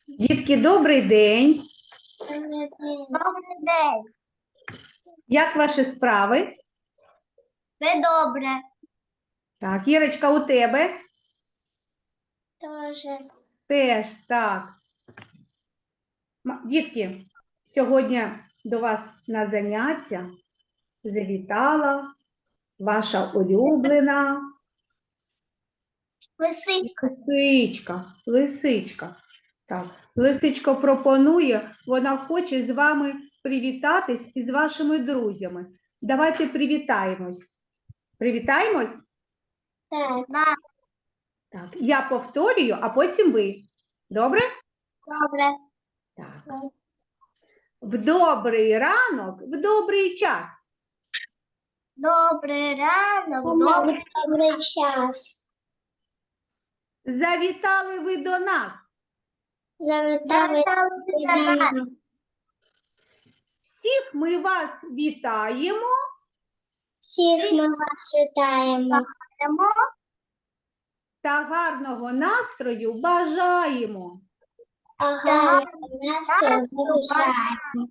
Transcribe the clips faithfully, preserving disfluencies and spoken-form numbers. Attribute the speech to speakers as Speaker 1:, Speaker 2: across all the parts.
Speaker 1: Дітки, добрий день.
Speaker 2: Добрий день.
Speaker 1: Як ваші справи?
Speaker 2: Все добре.
Speaker 1: Так, Ірочка, у тебе?
Speaker 2: Тоже.
Speaker 1: Теж, так. М- Дітки, сьогодні до вас на заняття завітала ваша улюблена
Speaker 2: Лисичка.
Speaker 1: лисичка. Лисичка. Так, лисичка пропонує, вона хоче з вами привітатись із вашими друзями. Давайте привітаємось. Привітаємось?
Speaker 2: Так. Да.
Speaker 1: Так, я повторюю, а потім ви. Добре?
Speaker 2: Добре.
Speaker 1: Так. В добрий ранок, в добрий час.
Speaker 2: Добрий ранок, добрий, добрий час.
Speaker 1: Завітали ви до нас.
Speaker 2: Завітали до нас.
Speaker 1: Всіх ми вас вітаємо.
Speaker 2: Всіх ми вас вітаємо.
Speaker 1: Та гарного настрою бажаємо.
Speaker 2: Ага, настрою бажаємо.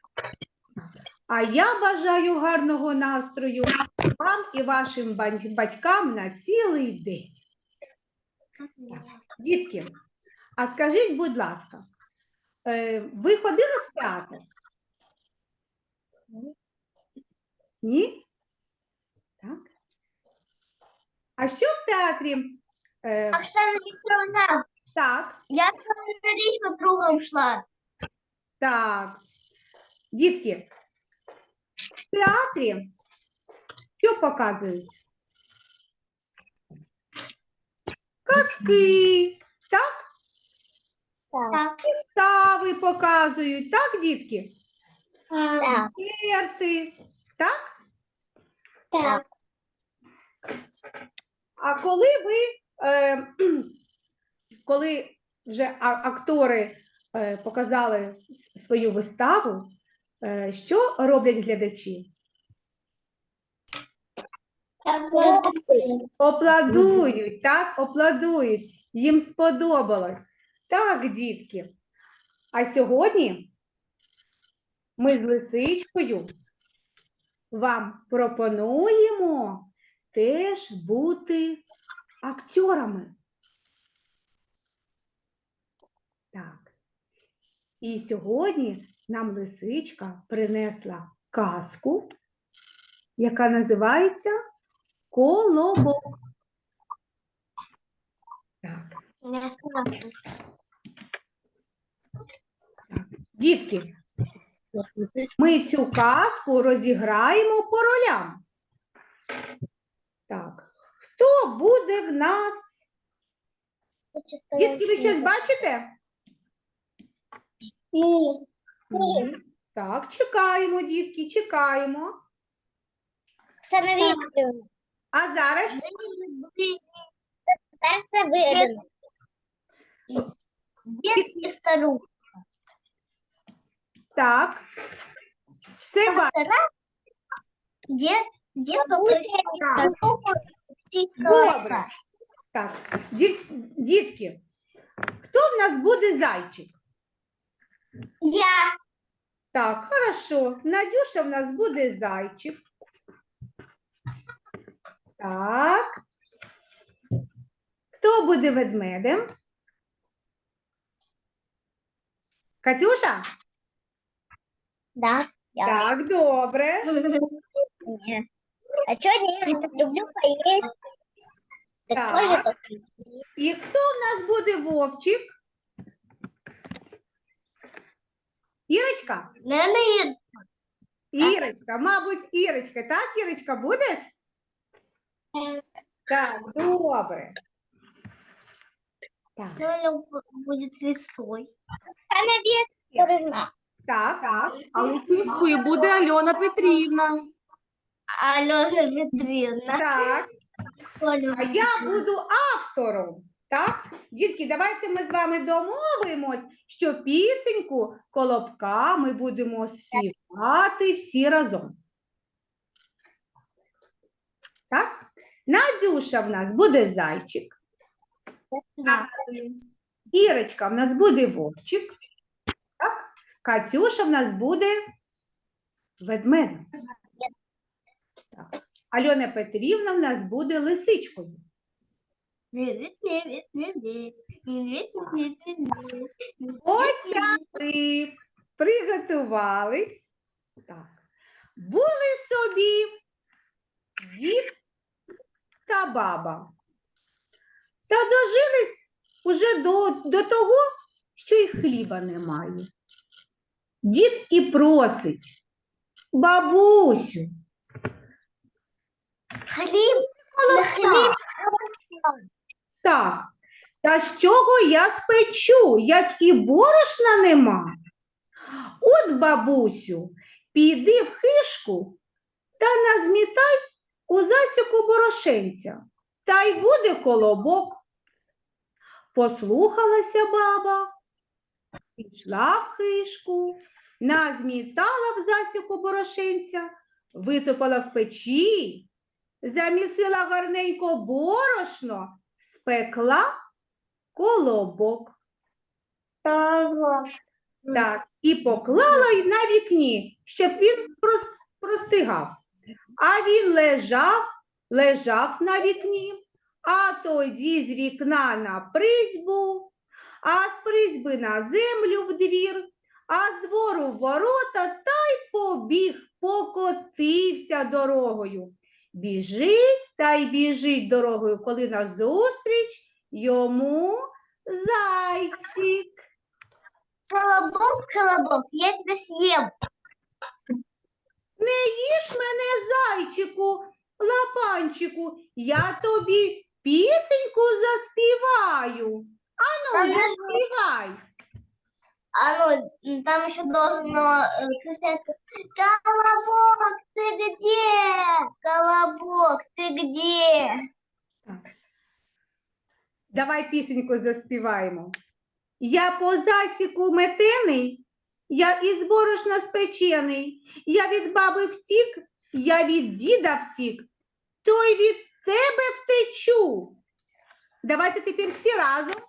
Speaker 1: А я бажаю гарного настрою вам і вашим бань- батькам на цілий день. Дітки, а скажіть, будь ласка, е, ви ходили в театр? Ні? Так. А що в театрі? Е,
Speaker 2: Оксана Вікторовна,
Speaker 1: так,
Speaker 2: я на річ по кругом йшла.
Speaker 1: так. Дітки, в театрі що показують? Казки, так?
Speaker 2: Так.
Speaker 1: Вистави показують, так, дітки?
Speaker 2: Так.
Speaker 1: Концерти, так?
Speaker 2: Так.
Speaker 1: А коли ви, е, коли вже а- актори е, показали с- свою виставу, е, що роблять глядачі? Опладують, так, опладують. Їм сподобалось. Так, дітки. А сьогодні ми з Лисичкою вам пропонуємо теж бути акторами. Так. І сьогодні нам Лисичка принесла казку, яка називається «Колобок». Так. Дітки, ми цю казку розіграємо по ролям. Так. Хто буде в нас? Дітки, ви щось бачите?
Speaker 2: Ні.
Speaker 1: Ні. Так, чекаємо, дітки, чекаємо.
Speaker 2: Оксана Вікторовна.
Speaker 1: А зараз
Speaker 2: Це видно. Дід і стару.
Speaker 1: так. Все бачите.
Speaker 2: Дід, дід
Speaker 1: Так. Добре. Так, діт- дітки, хто в нас буде зайчик?
Speaker 2: Я.
Speaker 1: Так, хорошо. Надюша в нас буде зайчик. Так. Хто буде ведмедем? Катюша?
Speaker 2: Да. Я.
Speaker 1: Так, добре.
Speaker 2: Ні. А чого ні? Я люблю поїсти. Такой же,
Speaker 1: Так.
Speaker 2: как
Speaker 1: І хто в нас буде вовчик? Ірочка?
Speaker 2: Наверное, Ир.
Speaker 1: Ірочка, мабуть, Ірочка. Так, Ірочка, будеш? Так, добре. Так,
Speaker 2: Наверное, будет лисой. Она Викторовна.
Speaker 1: так, так.
Speaker 3: А лисичкою буде Альона Петрівна.
Speaker 2: Алена Петровна.
Speaker 1: Так. А я буду автором. Так? Дітки, давайте ми з вами домовимось, що пісеньку «Колобка» ми будемо співати всі разом. Так? Надюша в нас буде зайчик.
Speaker 2: Да.
Speaker 1: Ірочка в нас буде вовчик, так? Катюша в нас буде ведмедик. Так. Альона Петрівна в нас буде лисичкою. Почали, приготувались. Так. Були собі дід та баба. Та дожились уже до, до того, що й хліба немає. Дід і просить: бабусю,
Speaker 2: Хліб,
Speaker 1: молока. Так, та з чого я спечу, як і борошна нема? От, бабусю, піди в хишку та назмітай у засіку борошенця, та й буде колобок. Послухалася баба, пішла в хишку, назмітала в засіку борошенця, витопала в печі, замісила гарненько борошно, спекла колобок. Так, і поклала й на вікні, щоб він прос- простигав. А він лежав, лежав на вікні, а тоді з вікна на призьбу, а з призьби на землю в двір, а з двору в ворота та й побіг, покотився дорогою. Біжить та й біжить дорогою, коли назустріч йому зайчик.
Speaker 2: Колобок, колобок, я тебя съем.
Speaker 1: Не їж мене, зайчику, лапанчику, я тобі пісеньку заспіваю. Ану,
Speaker 2: Ага.
Speaker 1: заспівай.
Speaker 2: А ну, там еще должно э, кричать: колобок, ты где? Колобок, ты где?
Speaker 1: Давай пісеньку заспіваємо. Я по засіку метений, я із борошна спечений, я від баби втік, я від діда втік, то й від тебе втечу. Давайте тепер всі разом.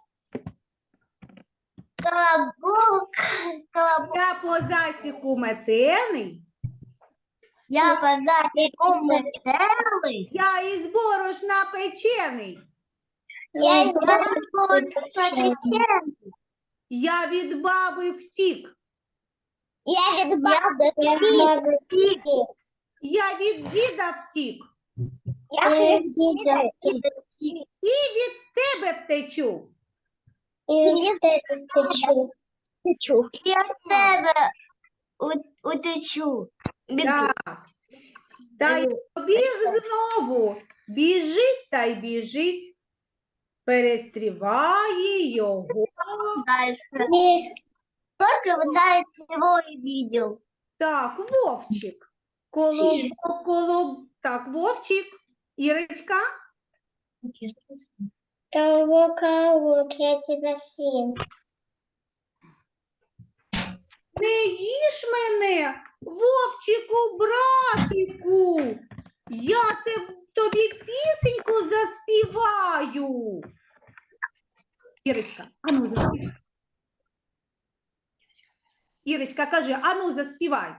Speaker 2: Колобок, колобок,
Speaker 1: Я по засіку метений,
Speaker 2: я по засеку метелый.
Speaker 1: я із борошна печений,
Speaker 2: Я из засеку
Speaker 1: я від баби втік,
Speaker 2: Я від баби втік.
Speaker 1: я від діда втік,
Speaker 2: Я від діда втік.
Speaker 1: і від тебе втечу.
Speaker 2: І від тебе втечу. Я з тебе у- утечу. Бігу.
Speaker 1: Так. Та й побіг знову, біжить та й біжить, перестріває його.
Speaker 2: Дальше. Только вот заяц его и видел.
Speaker 1: Так, Вовчик. Колобок, колоб... Так, Вовчик. Ірочка.
Speaker 2: Колобок, колобок, я тебя съем.
Speaker 1: Не їж мене, Вовчику, братику. Я те- тобі пісеньку заспіваю. Ірочка, ану заспівай. Ірочка, кажи, ану заспівай.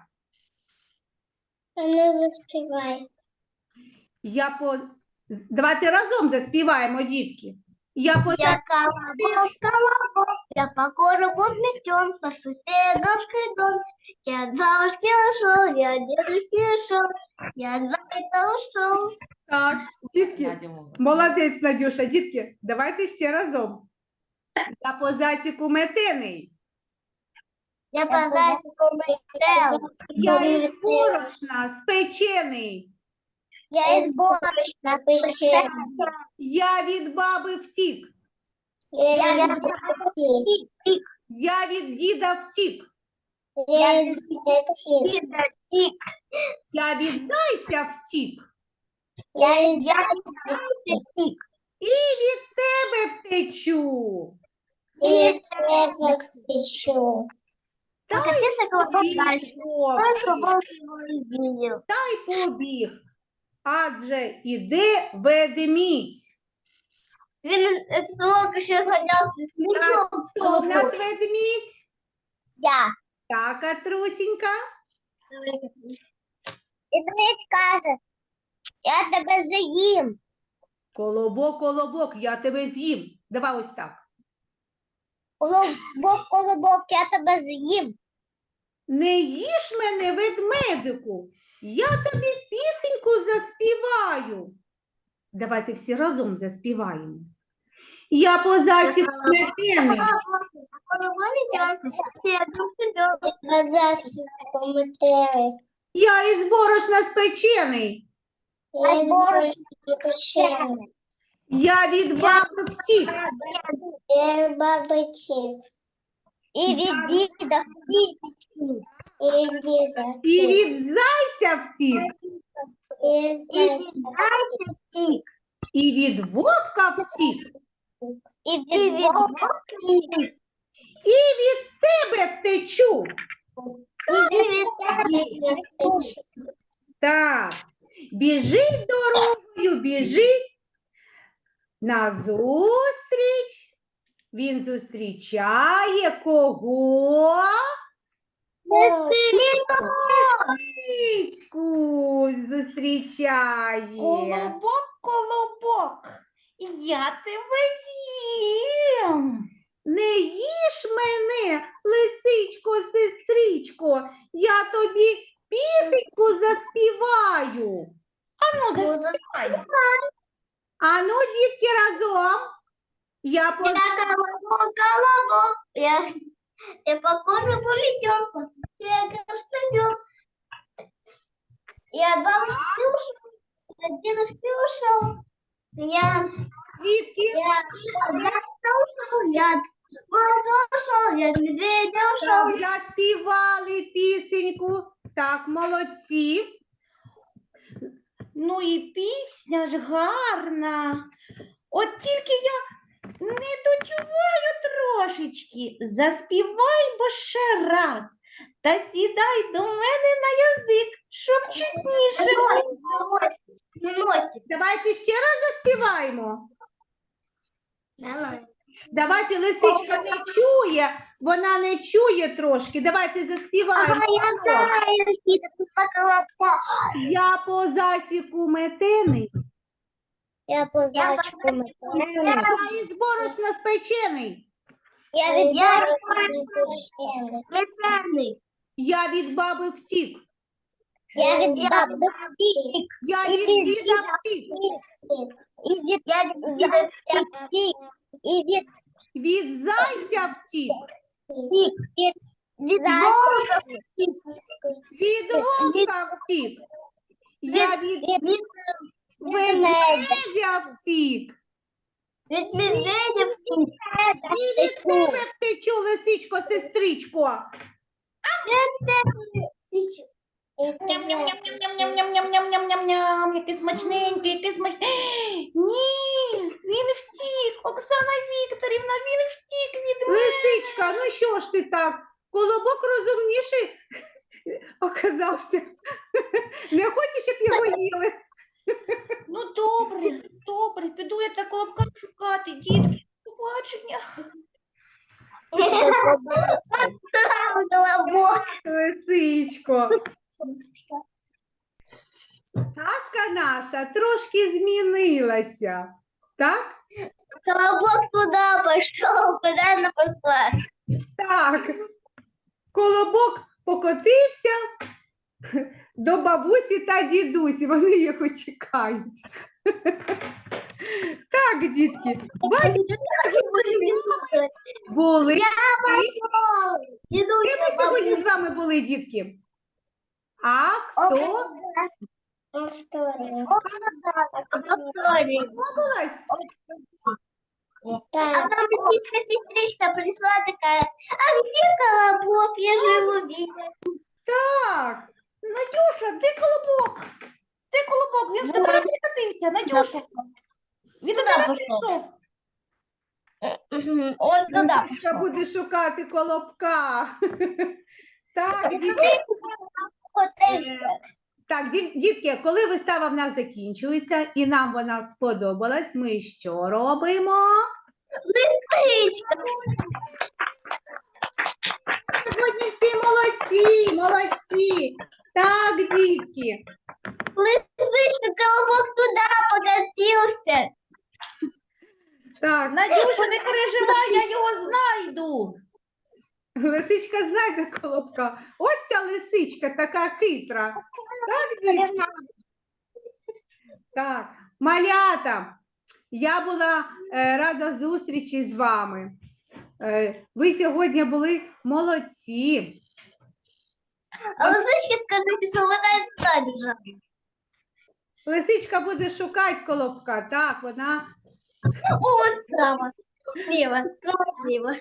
Speaker 2: А ну заспевай.
Speaker 1: Я по... з- Давайте разом заспіваємо, дітки. Я по...
Speaker 2: Я колобок, колобок, я по коробу взлетен, по соседам шкредон. Я от бабушки ушел, я от дедушки ушел, я от зайца ушел.
Speaker 1: Так, дітки, молодець, Надюша. Дітки, давайте ще разом. Я по засіку метений,
Speaker 2: Я по зайцу метел.
Speaker 1: я із борошна спечений,
Speaker 2: Я из борошна печенья.
Speaker 1: я від баби втік,
Speaker 2: Я від бабушки втік.
Speaker 1: я від діда втік,
Speaker 2: Я від діда втік.
Speaker 1: я від зайця втік,
Speaker 2: Я від зайця втік.
Speaker 1: і від тебе втечу.
Speaker 2: І від тебе втечу. Покатился колобок
Speaker 1: Побіг
Speaker 2: дальше.
Speaker 1: Вовчик,
Speaker 2: Колобок его и видел.
Speaker 1: та й побіг, адже іде ведмідь.
Speaker 2: Він только що зганявся з м'ячом.
Speaker 1: Хто в нас ведмідь?
Speaker 2: Я.
Speaker 1: Так, Катрусінька.
Speaker 2: І ведмідь каже, я тебе заїм.
Speaker 1: Колобок, колобок, я тебе з'їм. Давай ось так.
Speaker 2: Колобок, колобок, я тебе з'їм.
Speaker 1: Не їж мене, ведмедику, я тобі пісеньку заспіваю. Давайте всі разом заспіваємо. Я по засіку метений, я із борошна спечений, я від баби втік,
Speaker 2: І від діда втік,
Speaker 1: і від зайця втік,
Speaker 2: і від зайця втік,
Speaker 1: і від вовка втік,
Speaker 2: і від вовка втік,
Speaker 1: і від тебе втечу.
Speaker 2: і від тебе втік.
Speaker 1: Так, біжить дорогою, біжить назустріч. Він зустрічає кого? Лисичку зустрічає.
Speaker 3: Колобок, колобок, я тебе з'їм.
Speaker 1: Не їж мене, лисичко, сестричко, я тобі пісеньку заспіваю.
Speaker 3: Ану, заспівай.
Speaker 1: Ану, дітки, разом. Я по...
Speaker 2: Я колобок, колобок, я, я по коже полетел, по снегу шпилек. Я от бабушки ушел, я от дедушки ушел. Я,
Speaker 1: Дітки,
Speaker 2: я от зайца ушел, я от волка ушел, я от медведя ушел.
Speaker 1: так, заспівали пісеньку. Так, молодці.
Speaker 3: Ну і пісня ж гарна. От тільки я не дочуваю трошечки. Заспівай бо ще раз. Та сідай до мене на язик, щоб чутніше було.
Speaker 2: Носик.
Speaker 1: Давайте ще раз заспіваємо.
Speaker 2: Давай.
Speaker 1: Давайте, лисичка не чує, вона не чує трошки. Давайте заспіваємо.
Speaker 2: Ага, я знаю, Никита, ты по колобку.
Speaker 1: Я по засіку метений,
Speaker 2: Я по зайчику метений.
Speaker 1: я із борошна спечений,
Speaker 2: Я від метений.
Speaker 1: я від баби втік,
Speaker 2: Я від баби втік.
Speaker 1: я
Speaker 2: І
Speaker 1: від
Speaker 2: від
Speaker 1: діда
Speaker 2: діда
Speaker 1: втік,
Speaker 2: І від я від зайця втік. І від
Speaker 1: від зайця втік,
Speaker 2: втік. Від від волка втік.
Speaker 1: від вовка втік, я від
Speaker 2: Від
Speaker 1: ведмедя втік,
Speaker 2: від медведя втік.
Speaker 1: і від тебе втечу, лисичко, сестричко.
Speaker 3: Ням-ням-ням-ням-ням-ням-ням-ням-ням-ням, який смачненький, який смачненький. Ні, він втік, Оксана Вікторівна, він втік від мене.
Speaker 1: Лисичка, ну що ж ти так? Колобок розумніший оказався. Не хочеш, щоб його їли?
Speaker 3: Ну добре, добре, піду я та колобка шукати, дітки, побачення.
Speaker 2: Колобок.
Speaker 1: Лисичко. Казка наша трошки змінилася. Так?
Speaker 2: Колобок туда пошел, куда она пошла.
Speaker 1: Так. Колобок покотився до бабусі та дідусі. Вони його чекають. Так, дітки, бачите, були. Де ми сьогодні з вами були, дітки? А хто сподобалась?
Speaker 2: А там сестра сестричка пришла такая, а где колобок? Я же его видела.
Speaker 1: Так.
Speaker 3: Надюша, де колобок? Де колобок? Він в тебе прикатився, Надюша. Він до
Speaker 2: Туди
Speaker 3: тебе
Speaker 2: пішов.
Speaker 3: прийшов.
Speaker 2: Он туда
Speaker 1: Лисичка
Speaker 2: пошел.
Speaker 1: буде шукати колобка. Так, дітки.
Speaker 2: Котився.
Speaker 1: Так, дів- дітки, коли вистава в нас закінчується і нам вона сподобалась, ми що робимо?
Speaker 2: Лисичка.
Speaker 1: Сьогодні всі молодці, молодці. Так, дітки.
Speaker 2: Лисичка, колобок туда покатился.
Speaker 1: Так,
Speaker 3: Надюша, не переживай, я його знайду.
Speaker 1: лисичка знайде колобка. От ця лисичка така хитра. Так, дітки? Так, малята, я була е, рада зустрічі з вами. Е, ви сьогодні були молодці.
Speaker 2: А лисичке скажите, что вы на бежали.
Speaker 1: Лисичка буде шукати колобка, так, вона.
Speaker 2: О, справа, слева, справа, слева.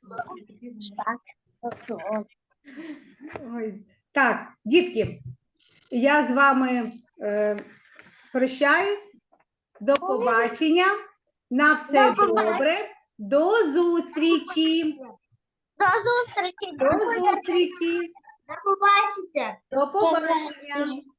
Speaker 2: Так.
Speaker 1: Ой. Так, дітки, я з вами е, прощаюсь. До побачення. На все
Speaker 2: До побачення.
Speaker 1: добре. До зустрічі.
Speaker 2: До зустрічі.
Speaker 1: До зустрічі.
Speaker 2: До побачення.
Speaker 1: До побачення.